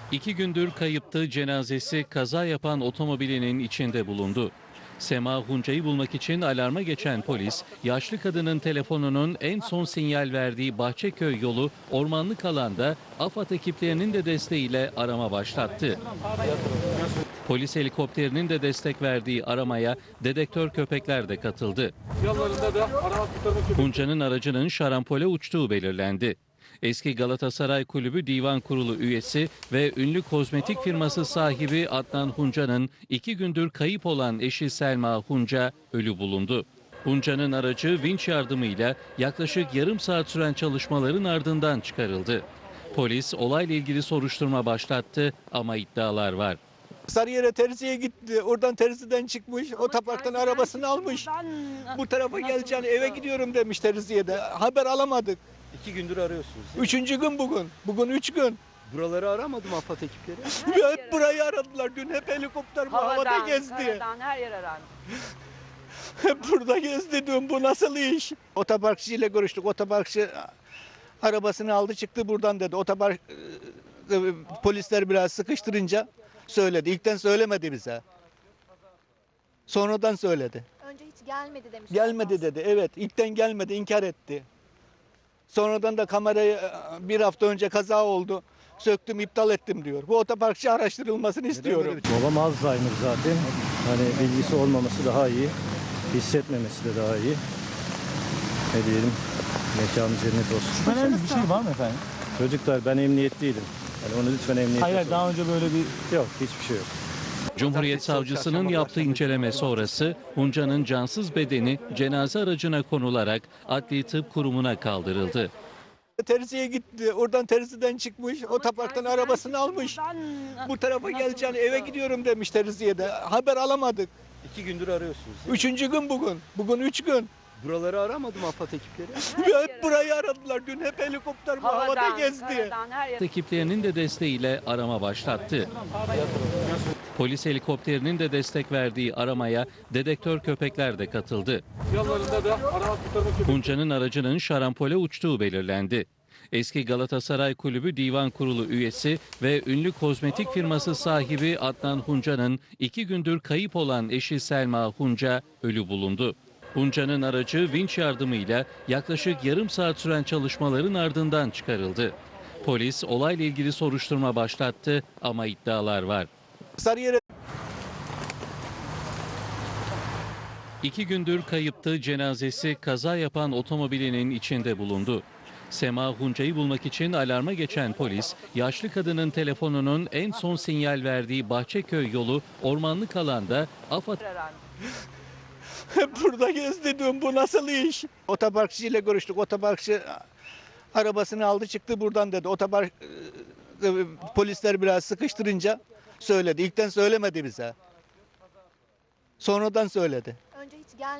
2 gündür kayıptı, cenazesi kaza yapan otomobilinin içinde bulundu. Sema Hunca'yı bulmak için alarma geçen polis, yaşlı kadının telefonunun en son sinyal verdiği Bahçeköy yolu ormanlık alanda AFAD ekiplerinin de desteğiyle arama başlattı. Polis helikopterinin de destek verdiği aramaya dedektör köpekler de katıldı. Hunca'nın aracının şarampole uçtuğu belirlendi. Eski Galatasaray Kulübü Divan Kurulu üyesi ve ünlü kozmetik firması sahibi Adnan Hunca'nın 2 gündür kayıp olan eşi Selma Hunca ölü bulundu. Hunca'nın aracı vinç yardımıyla yaklaşık yarım saat süren çalışmaların ardından çıkarıldı. Polis olayla ilgili soruşturma başlattı ama iddialar var. Sarıyer'e terziye gitti. Oradan terziden çıkmış. Otoparktan arabasını almış. Bu tarafa geleceğini eve gidiyorum demiş terziye de. Haber alamadık. 2 gündür arıyorsunuz. Üçüncü gün bugün. Bugün 3 gün. Buraları aramadım AFAD ekipleri. Hep burayı aradılar. Dün hep helikopter bu havada gezdi. Karadan her yer arandı. Hep burada gezdi dün. Bu nasıl iş? Otoparkçıyla görüştük. Otoparkçı arabasını aldı çıktı buradan dedi. Polisler biraz sıkıştırınca söyledi. İlkten söylemedi bize. Sonradan söyledi. Önce hiç gelmedi demiş. Gelmedi dedi. Evet, ilkten gelmedi, inkar etti. Sonradan da kamerayı bir hafta önce kaza oldu. Söktüm, iptal ettim diyor. Bu otoparkçı araştırılmasını istiyorum. Babam Alzheimer zaten. Hani bilgisi olmaması daha iyi. Hissetmemesi de daha iyi. Ne diyelim? Mekanı cennet olsun. Şüphelendiğiniz bir şey var mı efendim? Çocuklar ben emniyetteydim. Yani onu lütfen emniyete Hayır, sorun. daha önce böyle bir... Yok, hiçbir şey yok. Cumhuriyet Savcısının yaptığı inceleme sonrası Hunca'nın cansız bedeni cenaze aracına konularak Adli Tıp Kurumu'na kaldırıldı. Terziye gitti. Oradan terziden çıkmış. Otoparktan arabasını almış. Bu tarafa geleceğini eve gidiyorum demiş terziye de. Haber alamadık. 2 gündür arıyorsunuz. Üçüncü gün bugün. Bugün 3 gün. Buraları aramadım AFAD ekipleri. Hep burayı aradılar. Dün hep helikopter bu havada gezdi. Karadan her yer. Ekiplerinin de desteğiyle arama başlattı. Polis helikopterinin de destek verdiği aramaya dedektör köpekler de katıldı. Hunca'nın aracının şarampole uçtuğu belirlendi. Eski Galatasaray Kulübü Divan Kurulu üyesi ve ünlü kozmetik firması sahibi Adnan Hunca'nın 2 gündür kayıp olan eşi Selma Hunca ölü bulundu. Hunca'nın aracı vinç yardımıyla yaklaşık yarım saat süren çalışmaların ardından çıkarıldı. Polis olayla ilgili soruşturma başlattı ama iddialar var. Sarıyer'e 2 gündür kayıptı, cenazesi kaza yapan otomobilinin içinde bulundu. Sema Hunca'yı bulmak için alarma geçen polis, yaşlı kadının telefonunun en son sinyal verdiği Bahçeköy yolu ormanlık alanda AFAD hep burada gezdi dün. Bu nasıl iş? Otoparkçıyla görüştük. Otoparkçı arabasını aldı çıktı buradan dedi. Polisler biraz sıkıştırınca söyledi. İlkten söylemedi bize. Sonradan söyledi. Önce hiç gelmedi.